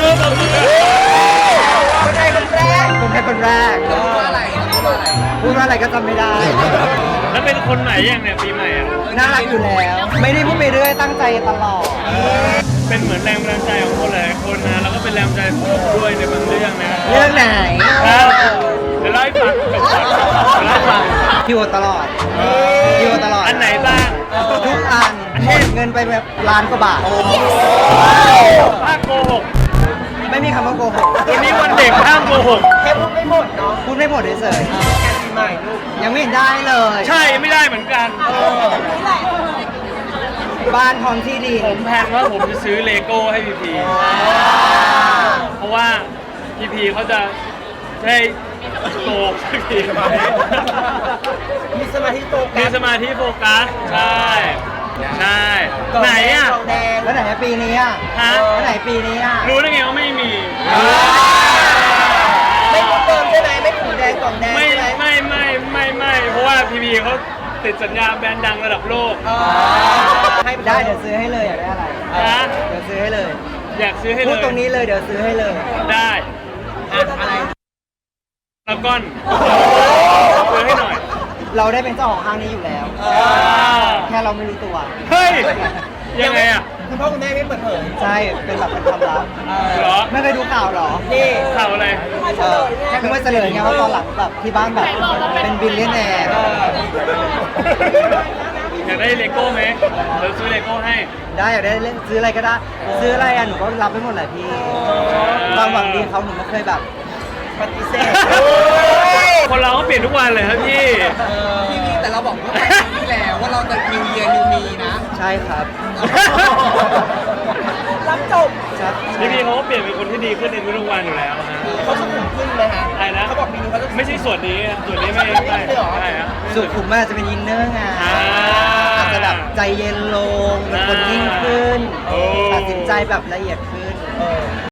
บอกมือคนไทยคนแรกพูดว่าอะไรก็จำไม่ได้แล้วเป็นคนไหนอย่างเนี่ยปีใหม่อ่ะน่ารักอยู่แล้ว ไม่ได้พูดไปเรื่อยตั้งใจตลอดเป็นเหมือนแรงบันดาลใจของคนหลายคนนะแล้วก็เป็นแรงบันดาลใจของผมด้วยในบางเรื่องนะเรื่องไหนครับเดี๋ยวเล่าให้ฟังจบก่อนเดี๋ยวเล่าให้ฟังพี่โอตลอดพี่โอตลอดอันไหนบ้างทุกอันหมดเงินไปแบบล้านกว่าบาทถ้าโกหกไม่มีคำว่าโกหกวันนี้วันเด็กห้ามโกหกแค่พูดไม่หมดเนาะพูดไม่หมดเฉยๆยังไม่เห็นได้เลยใช่ไม่ได้เหมือนกันบ้านพร้อมที่ดีผมแพลนว่าผมจะซื้อเลโก้ให้พีพีเพราะว่าพีพีเขาจะได้โตสักทีมีสมาธิโตมีสมาธิโฟกัสใช่ใช่ไหนอ่ะแล้วไหนปีนี้อ่ะฮะแล้วไหนปีนี้อ่ะรู้ได้ไงว่าไม่มีไม่พูดเติมใช่ไหมไม่ถูแดงกล่องแดงไม่ใช่ไหมไม่เพราะว่าพีพีเขาติดสัญญาแบรนด์ดังระดับโลกให้ได้เดี๋ยวซื้อให้เลยอยากได้อะไรฮะเดี๋ยวซื้อให้เลยอยากซื้อให้พูเลดยตรงนี้เลยเดี๋ยวซื้อให้เลยได้อะไรแล้วก้อนซื้อให้หน่อยเราได้เป็นเจ้าของห้างนี้อยู่แล้ว แค่เราไม่รู้ตัวเฮ้ยยังไงอ่ะคุณพ่อคุณแม่ไม่เปิดเผยใช่เป็นแบบเป็นความลับเหรอไม่เคยดูข่าวเหรอนี่ข่าวอะไรเพิ่งมาเฉลยไงว่าตอนหลังแบบที่บ้านแบบเป็นบิลเลียนแนร์อยากได้เลโก้ไหมเดี๋ยวซื้อเลโก้ให้ได้อยากได้เล่นซื้ออะไรก็ได้ ซื้ออะไรอ่ะหนูก็รับไปหมดแหละพี่ความหวังดีเขาหนูไม่เคยแบบปฏิเสธคนเราก็เปลี่ยนทุกวันเลยครับพี่พี่แต่เราบอกว่าปีที่แล้วว่าเราจะ New Year New Me นะใช่ครับรับจบครับพี่เขาก็เปลี่ยนเป็นคนที่ดีขึ้นในทุกวันอยู่แล้วฮะเขาสุขุมขึ้นไหมฮะอะไรนะเขาบอกปีนี้เขาจะไม่ใช่ส่วนนี้ส่วนนี้ไม่ใช่ใช่ฮะสุขุมมากจะเป็นอินเนอร์ไงอ่าอาจจะแบบใจเย็นลงเป็นคนนิ่งขึ้นโอ้ตัดสินใจแบบละเอียดขึ้น